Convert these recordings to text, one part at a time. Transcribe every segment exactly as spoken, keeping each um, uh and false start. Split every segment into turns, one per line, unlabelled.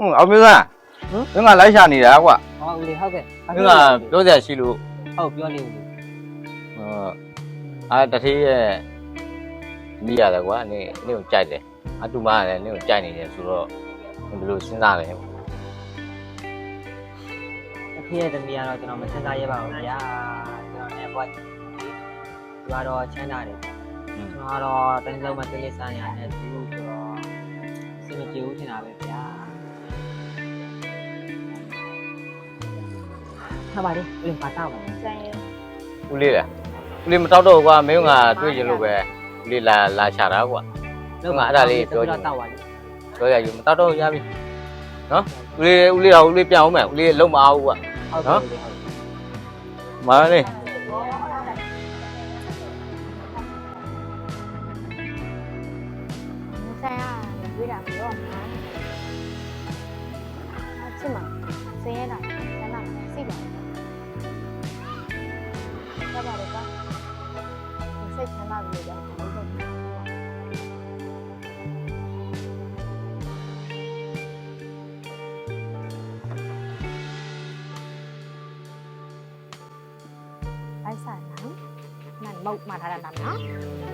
အောင်မျိုးသားမင်းကလိုက်ရှာနေတာကွာ
ဟုတ်ဦးလေးဟုတ်ကဲ့
မင်းကပြောစရာရှိလို့
ဟုတ်ပြောလေးဦးလေး
ဟောအာတထေးရဲ့မိရတယ်ကွာနေနေကိုကြိုက်တယ်အတူမရတယ်နေကိုကြိုက်နေတယ်ဆိုတော့ဘယ်လိုစဉ်းစားလဲ
အဖေရဲ့သမီးကတော့ကျွန်တော်မစဉ်းစားရပါဘူးဗျာကျွန်တော်လည်းဘွားဒီကတော့ချမ်းသာတယ်ကျွန်တော်ကတော့တိုင်းစုံမှာတိကျစမ်းရတယ်သူတို့ဆိုတော့စင်မပြေဘူးထင်တာပဲဗျာဟာပါလေဦးလေးပါတော့ပါဆိုင်ရ
ဦးလေးလားဦးလေးမတောက်တော့ကွာမင်းကတွေ့ရင်လို့ပဲဦးလေးလာလာရှာတာကွာလုံးကအဲ့ဒါလေးပြောချင်တော့ပါလေပြောရယူမတောက်တော့ရပြီနော်ဦးလေးဦးလေးတော့ဦးလေးပြန်အောင်မယ်ဦးလေးလုံးမအောင်ကွာနော်မာလေး
ဆိုင်ရရွေးတာမလို့မှာအချစ်မစင်းရတာဆန္ဒစိတ်ပါရပါတယ်ကွာစိတ်ချမ်းသာပြီကြောင့်ဟုတ်ကဲ့ไอ้สายน้ำนั่นมุกมาทานน้ำเนาะ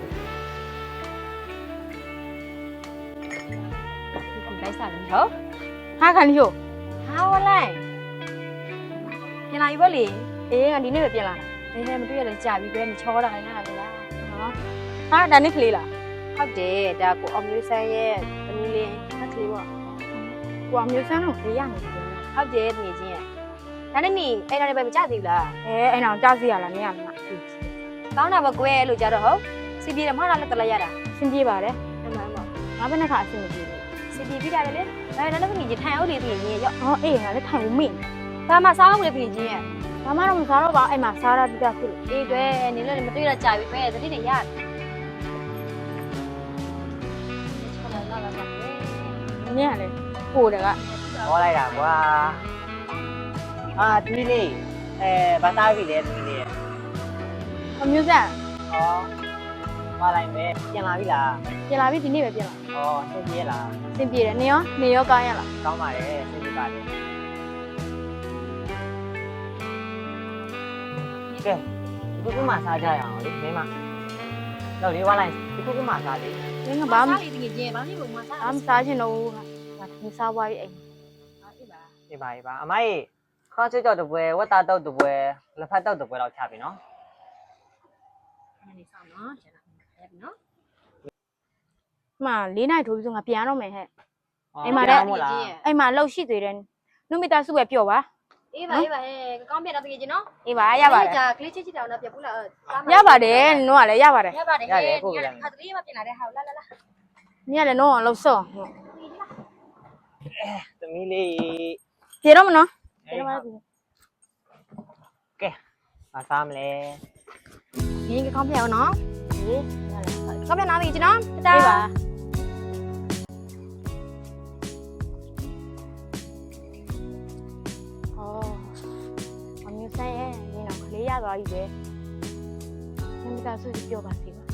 လိုက်စားလို့ဟုတ်ဟာခလီယိုဟာဝလိုက်ပြန်လာပြီပေါ့လေအေးငါဒီနေ့ပဲပြန်လာတာအေးဟဲ့မတွေ့ရလဲကြာပြီပဲနေချောတာခိုင်းတာလေလားနော်ဟာဒါနေ့ကလေးလားဟုတ်တယ်ဒါကိုအောင်မျိုးဆန်းရဲ့သမီးလေးငါကလေးပေါ့ကိုအောင်မျိုးဆန်းတော့လေးရနေတယ်ဟုတ်တယ်တကယ်ချင်းရဲ့ဒါနဲ့နေအဲ့ဒါလည်းပဲမကြသေးဘူးလားအဲအဲ့တော့ကြောက်စီရလားမရမလားကောင်းတာပဲကွယ်လို့ကြတော့ဟုတ်စီပြေတယ်မဟုတ်လားလက်တလိုက်ရတာစင်ပြေပါတယ်အမှန်ပေါ့ငါဘယ်နဲ့ခါအဆင်မပြေဘူးစီပြေပြီးတာလေအဲဒါလည်းပြင်ထိုင်အောင်လေပြင်ကြီးရော့ဟောအေးငါလည်းထိုင်ဦးမိဘာမှစားအောင်လေပြင်ကြီးရဲ့ဘာမှတော့မစားတော့ပါအဲ့မှာစားရပြီးတာခုအေးတွေ့နေလည်းမတွေ့တော့ကြာပြီပဲသတိနဲ့ရတယ်နင်းရလေပိုတယ်က
ဟောလိုက်တာကွာအာသမီးလေးအဲဘာသားပြီလဲသမီးလေးရဲ့
အမျိုးဆက်
ဟောမလိုက်ပဲပြန်လာပြီလား
ပြန်လာပြီဒီနေ့ပဲပြန်လာ
ဟောဆင်းပြေးလား
စင်ပြေတယ်နေရောနေရောကောင်းရလား
ကောင်းပါတယ်ဆင်းပြေးပါတယ်ကဲဒီခုမှစားကြရအောင်လေမင်းမတော့လေးဝါလိုက်ဒီခုမှစားလေ
နင်းကဘာမှ
စားလေတကယ်ချင်းဘာလို့မစား
ဘာမှစားချင်တော့ဘူးဟာသင်စားပွားရေးအိမ်
အေးပါ
ဒီပါဒီပါအမကြီးခေါင်းချွတ်ကြောက်တပွဲဝတ်သားတောက်တပွဲလက်ဖက်တောက်တပွဲတော့ချပြီနော်
အဲ့ဒီဆောင်နော်ကျန်တာအဲ့ဒီနော်
မှလေးနိုင်ထိုးပြီးဆိုငါပြန်တော့မယ်ဟဲ့
အိမ်မှာလည်းမို့လား
အိမ်မှာလှုပ်ရှိသေးတယ်နုမိသားစုပဲပျော့ပါ
အေးပါအေးပါဟဲ့ကောင်းပြတော့တကယ်ချင်းနော်
အေးပါရပါတယ်
ကြာကလေးချစ်ချစ်တောင်တော့ပြဘူးလား
ရပါတယ်နို့ကလည်းရပါတယ်
ရပါတယ်ဟဲ့ခါတလေးမပြင်လာတဲ့ဟာလာလာလာ
နင်ကလည်းနို့အောင်လှုပ်စော့
သမီးလေး
ပြေတော့မနော်
ကဲမစားမလဲ
နင်ကကောင်းပြအောင်နော်
အေးကောင်းပြနာပြီချင်းနော်တတာ
အေးပါဟောအမျိုးဆိုင်ရဲ့နင်တော့ကလေးရသွားပြီပဲနင်မိသားစုပျော့ပါစေပါ